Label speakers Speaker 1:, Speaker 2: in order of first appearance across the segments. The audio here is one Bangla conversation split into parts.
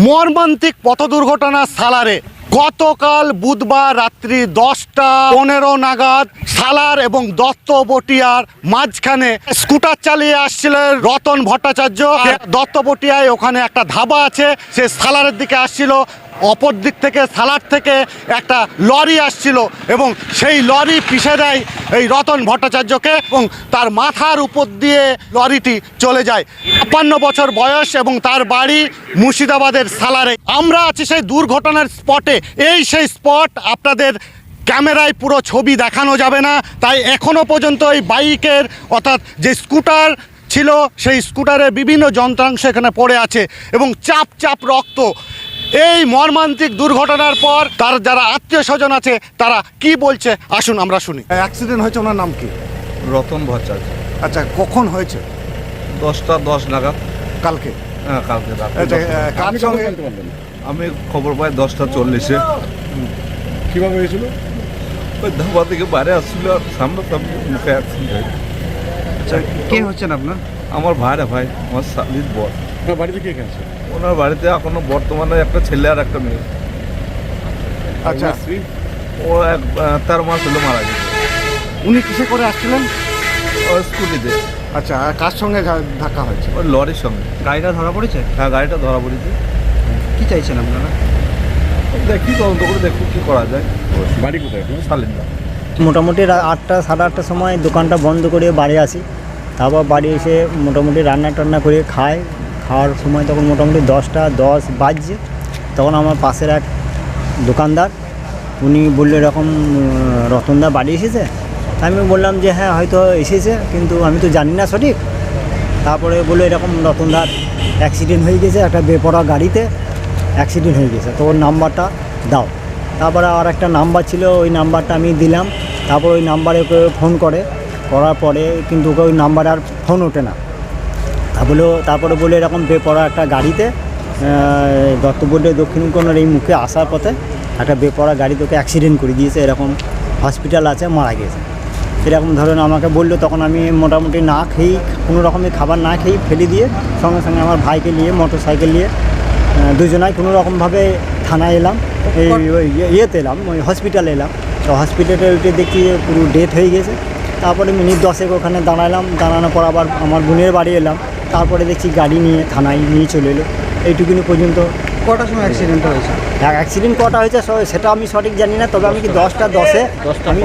Speaker 1: মর্মান্তিক পথ দুর্ঘটনা সালারে গতকাল বুধবার রাত্রি 10:15 নাগাদ সালার এবং দত্তবটিয়ার মাঝখানে স্কুটার চালিয়ে আসছিলেন রতন ভট্টাচার্য। দত্তবটিয়ায় ওখানে একটা ধাবা আছে, সে সালারের দিকে আসছিল। অপর দিক থেকে সালার থেকে একটা লরি আসছিল এবং সেই লরি পিষে দেয় এই রতন ভট্টাচার্যকে এবং তার মাথার উপর দিয়ে লরিটি চলে যায়। ৫৫ বছর বয়স এবং তার বাড়ি মুর্শিদাবাদের সালারে। আমরা আছি সেই দুর্ঘটনার স্পটে। এই সেই স্পট, আপনাদের ক্যামেরায় পুরো ছবি দেখানো যাবে না, তাই এখনও পর্যন্ত এই বাইকের অর্থাৎ যে স্কুটার ছিল সেই স্কুটারের বিভিন্ন যন্ত্রাংশ এখানে পড়ে আছে এবং চাপ চাপ রক্ত। এই মর্মান্তিক দুর্ঘটনার পর তার যারা আত্মীয় স্বজন আছে তারা কি বলছে আসুন আমরা শুনি। অ্যাক্সিডেন্ট হয়েছে, ওনার নাম কি?
Speaker 2: রতন ভট্টাচার্য।
Speaker 1: আচ্ছা, কখন হয়েছে?
Speaker 2: 10:10 নাগাদ।
Speaker 1: কালকে?
Speaker 2: হ্যাঁ, কালকে রাতে।
Speaker 1: কার সঙ্গে?
Speaker 2: আমি খবর পাই 10:40-এ।
Speaker 3: কীভাবে হয়েছিল?
Speaker 2: ওই ধাবা থেকে বাইরে আসছিল আর সামনাসামনি মুখে অ্যাক্সিডেন্ট হয়েছে।
Speaker 3: আচ্ছা, কে হচ্ছেন আপনার?
Speaker 2: আমার ভাই, আমার শালির বর।
Speaker 3: আপনার বাড়িতে কে কে আছে?
Speaker 2: ওনার বাড়িতে এখনো বর্তমানে একটা ছেলে আর একটা মেয়ে।
Speaker 1: আচ্ছা,
Speaker 3: স্ত্রী?
Speaker 2: ও 13 মাস হলো মারা গেছে।
Speaker 1: উনি কিসে করে আসছিলেন?
Speaker 2: ও স্কুটিতে।
Speaker 1: আচ্ছা, আর কার সঙ্গে ধাক্কা হয়েছে?
Speaker 2: ওই লরির সঙ্গে।
Speaker 3: গাড়িটা ধরা পড়েছে?
Speaker 2: হ্যাঁ, গাড়িটা ধরা পড়েছে।
Speaker 3: কি চাইছেন আপনারা?
Speaker 2: দেখি তদন্ত করে দেখুন কী করা যায়।
Speaker 3: বাড়ি কোথায়?
Speaker 2: শালিন্দা।
Speaker 4: মোটামুটি 8টা সাড়ে 8টার সময় দোকানটা বন্ধ করে বাড়ি আসি। তারপর বাড়ি এসে মোটামুটি রান্না টান্না করে খাওয়ার সময় তখন মোটামুটি 10:10 বাজছে। তখন আমার পাশের এক দোকানদার উনি বললো এরকম রতনদা বাড়ি এসেছে। আমি বললাম যে হ্যাঁ হয়তো এসেছে, কিন্তু আমি তো জানি না সঠিক। তারপরে বললো এরকম রতনদার অ্যাক্সিডেন্ট হয়ে গেছে, একটা বেপরোয়া গাড়িতে অ্যাক্সিডেন্ট হয়ে গেছে, তো ওর নাম্বারটা দাও। তারপরে আর একটা নাম্বার ছিল, ওই নাম্বারটা আমি দিলাম। তারপর ওই নাম্বারে ওকে ফোন করার পরে কিন্তু ওকে ওই নাম্বারে আর ফোন ওঠে না। তারপরে বলে এরকম বেপরোয়া একটা গাড়িতে দত্তবটিয়া দক্ষিণ কোণের এই মুখে আসার পথে একটা বেপরোয়া গাড়িতে ওকে অ্যাক্সিডেন্ট করে দিয়েছে, এরকম হসপিটাল আছে, মারা গেছে এরকম ধরেন আমাকে বললো। তখন আমি মোটামুটি না খেয়েই, কোনো রকমের খাবার না খেয়েই ফেলে দিয়ে সঙ্গে সঙ্গে আমার ভাইকে নিয়ে মোটরসাইকেল নিয়ে দুজনাই কোনো রকমভাবে থানায় এলাম, ইয়েতে এলাম, ওই হসপিটালে এলাম। তো হসপিটালে উঠে দেখি পুরো ডেথ হয়ে গেছে। তারপরে মিনিট 10 ওখানে দাঁড়ানোর পর আবার আমার বোনের বাড়ি এলাম। তারপরে দেখছি গাড়ি নিয়ে থানায় নিয়ে চলে এলো। এইটুকুনি পর্যন্ত।
Speaker 3: কটার সময় অ্যাক্সিডেন্টটা হয়েছে?
Speaker 4: অ্যাক্সিডেন্ট কটা হয়েছে সেটা আমি সঠিক জানি না, তবে আমি কি 10:10-এ আমি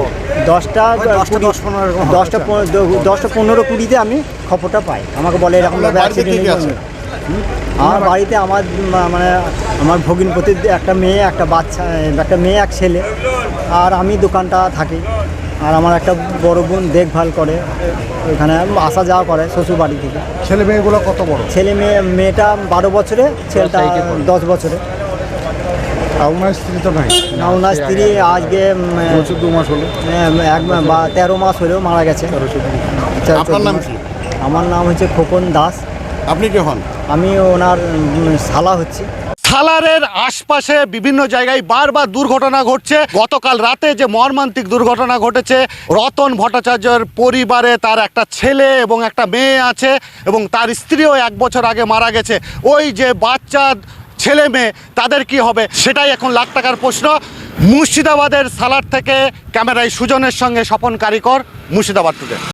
Speaker 4: 10:15-20-তে আমি খবরটা পাই। আমাকে বলে এরকমভাবে অ্যাক্সিডেন্ট হয়েছে। আমার বাড়িতে আমার ভগিনীপতির একটা মেয়ে, একটা বাচ্চা, একটা মেয়ে, এক ছেলে, আর আমি দোকানটা থাকি। আর আমার একটা বড় বোন দেখভাল করে, ওইখানে আসা যাওয়া করে শ্বশুর বাড়ি থেকে।
Speaker 1: ছেলে মেয়েগুলো কত বড়?
Speaker 4: মেয়েটা 12 বছরে, ছেলেটা 10 বছরে।
Speaker 1: আর ওনার স্ত্রী তো নাই?
Speaker 4: না, ওনার স্ত্রী আজকে
Speaker 1: 14 মাস হলো,
Speaker 4: 13 মাস হলেও মারা গেছে।
Speaker 1: আপনার নাম কি?
Speaker 4: আমার নাম হচ্ছে খোকন দাস।
Speaker 1: আপনি কে হন?
Speaker 4: আমি ওনার শালা হচ্ছি।
Speaker 1: সালারের আশপাশে বিভিন্ন জায়গায় বারবার দুর্ঘটনা ঘটছে। গতকাল রাতে যে মর্মান্তিক দুর্ঘটনা ঘটেছে, রতন ভট্টাচার্যের পরিবারে তার একটা ছেলে এবং একটা মেয়ে আছে এবং তার স্ত্রীও 1 বছর আগে মারা গেছে। ওই যে বাচ্চা ছেলে মেয়ে, তাদের কি হবে সেটাই এখন লাখ টাকার প্রশ্ন। মুর্শিদাবাদের সালার থেকে ক্যামেরায় সুজনের সঙ্গে স্বপন কারিকর, মুর্শিদাবাদ টুডে।